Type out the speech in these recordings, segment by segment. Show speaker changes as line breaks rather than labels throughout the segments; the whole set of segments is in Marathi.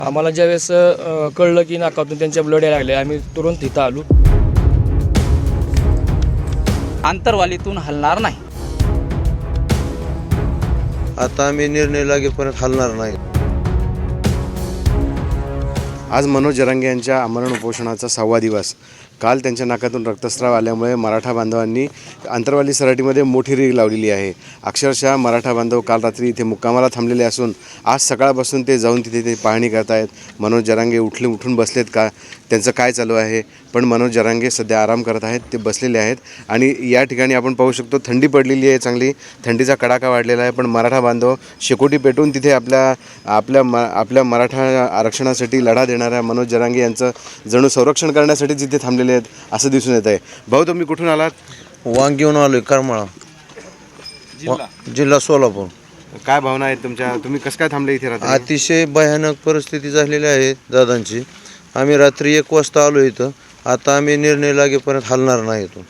आम्हाला ज्यावेळेस कळलं की नाकातून त्यांच्या ब्लड यायला लागले, आम्ही तुरंत तिथं आलो.
आंतरवालीतून हलणार नाही.
आता आम्ही निर्णय लागेपर्यंत हलणार नाही.
आज मनोज जरांगे यांच्या आमरण उपोषणाचा 6वा दिवस. काल त्यांच्या नाकातून रक्तस्राव आल्यामुळे मराठा बांधवांनी आंतरवाली सराटीमध्ये मोठी रीग लावलेली आहे. अक्षरशः मराठा बांधव काल रात्री इथे मुक्कामाला थांबलेले असून आज सकाळपासून ते जाऊन तिथे ते पाहणी करतायत. मनोज जरांगे उठून बसलेत का, त्यांचं काय चालू आहे. पण मनोज जरांगे सध्या आराम करत आहेत, ते बसलेले आहेत. आणि या ठिकाणी आपण पाहू शकतो थंडी पडलेली आहे, चांगली थंडीचा कडाका वाढलेला आहे. पण मराठा बांधव शेकोटी पेटून तिथे आपल्या मराठा आरक्षणासाठी लढा देणाऱ्या मनोज जरांगे यांचं जणू संरक्षण करण्यासाठी तिथे थांबलेले आहेत असं दिसून येत आहे. भाऊ, तुम्ही कुठून आलात?
वांगीहून आलोय, करमाळा जिल्हा सोलापूर.
काय भावना आहेत तुमच्या? तुम्ही कसं काय थांबले इथे रात्री?
अतिशय भयानक परिस्थिती झालेली आहे दादांची. आम्ही रात्री 1 वाजता आलो इथं. आता आम्ही निर्णय लागेपर्यंत हलणार नाही इथून.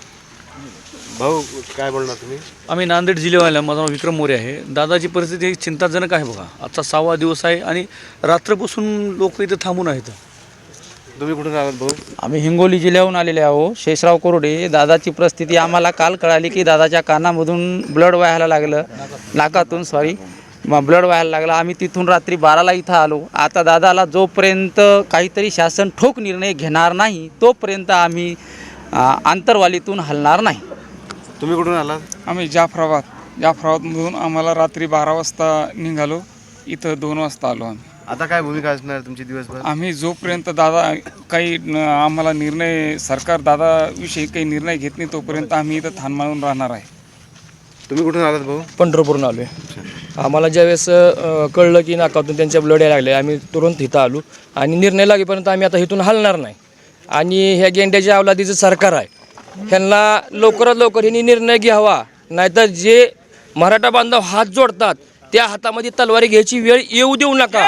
भाऊ, काय बोलणार तुम्ही?
आम्ही नांदेड जिल्ह्यावाला, माझं नाव विक्रम मोरे आहे. दादाची परिस्थिती चिंताजनक आहे बघा. आजचा 6वा दिवस आहे आणि रात्रपासून लोक इथं थांबून आहेत.
तुम्ही कुठून आलात भाऊ?
आम्ही हिंगोली जिल्ह्याहून आलेले आहो. शेषराव कोरडे. दादाची परिस्थिती आम्हाला काल कळाली की दादाच्या कानामधून ब्लड व्हायला लागलं, नाकातून ब्लड व्हायला लागला. आम्ही तिथून रात्री 12ला इथं आलो. आता दादाला जोपर्यंत काहीतरी शासन ठोक निर्णय घेणार नाही तोपर्यंत आम्ही आंतरवालीतून हलणार नाही.
तुम्ही कुठून आलात?
आम्ही जाफराबादमधून आम्हाला रात्री 12 वाजता निघालो, इथं 2 वाजता आलो.
आता काय भूमिका असणार तुमची दिवसभर?
आम्ही जोपर्यंत दादा काही आम्हाला निर्णय, सरकार दादाविषयी काही निर्णय घेत नाही तोपर्यंत आम्ही इथं थांबून राहणार आहे.
तुम्ही कुठून आलात भाऊ?
पंढरपूरून आलो आहे. आम्हाला ज्यावेळेस कळलं की नाकातून त्यांच्या ब्लड यायला लागले, आम्ही तुरंत तिथं आलो. आणि निर्णय लागेपर्यंत आम्ही आता इथून हलणार नाही. आणि ह्या गेंड्याच्या अवलादीचं सरकार आहे, ह्यांना लवकरात लवकर ह्यांनी निर्णय घ्यावा. नाहीतर जे मराठा बांधव हात जोडतात त्या हातामध्ये तलवारी घ्यायची वेळ येऊ देऊ नका.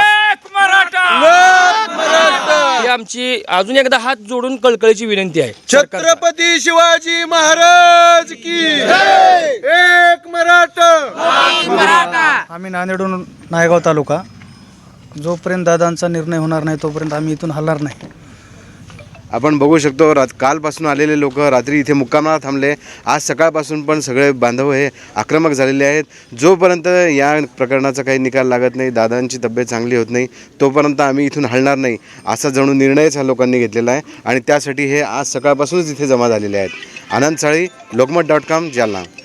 ही आमची अजून एकदा हात जोडून कळकळीची विनंती आहे.
छत्रपती शिवाजी महाराज की जय. एक मराठा.
आम्ही नांदेडहून नायगाव तालुका. जोपर्यंत दादांचा निर्णय होणार नाही तोपर्यंत आम्ही इथून हलणार नाही.
आपण बघू शकतो कालपासून आलेले लोक रात्री इथे मुक्कामाला थांबले. आज सकाळपासून पण सगळे बांधव हे आक्रमक झालेले आहेत. जोपर्यंत या प्रकरणाचा काही निकाल लागत नाही, दादांची तब्येत चांगली होत नाही, तोपर्यंत आम्ही इथून हलणार नाही असा जणू निर्णयच ह्या लोकांनी घेतलेला आहे. आणि त्यासाठी हे आज सकाळपासूनच इथे जमा झालेले आहेत. आनंद साळी, लोकमत.com, जालना.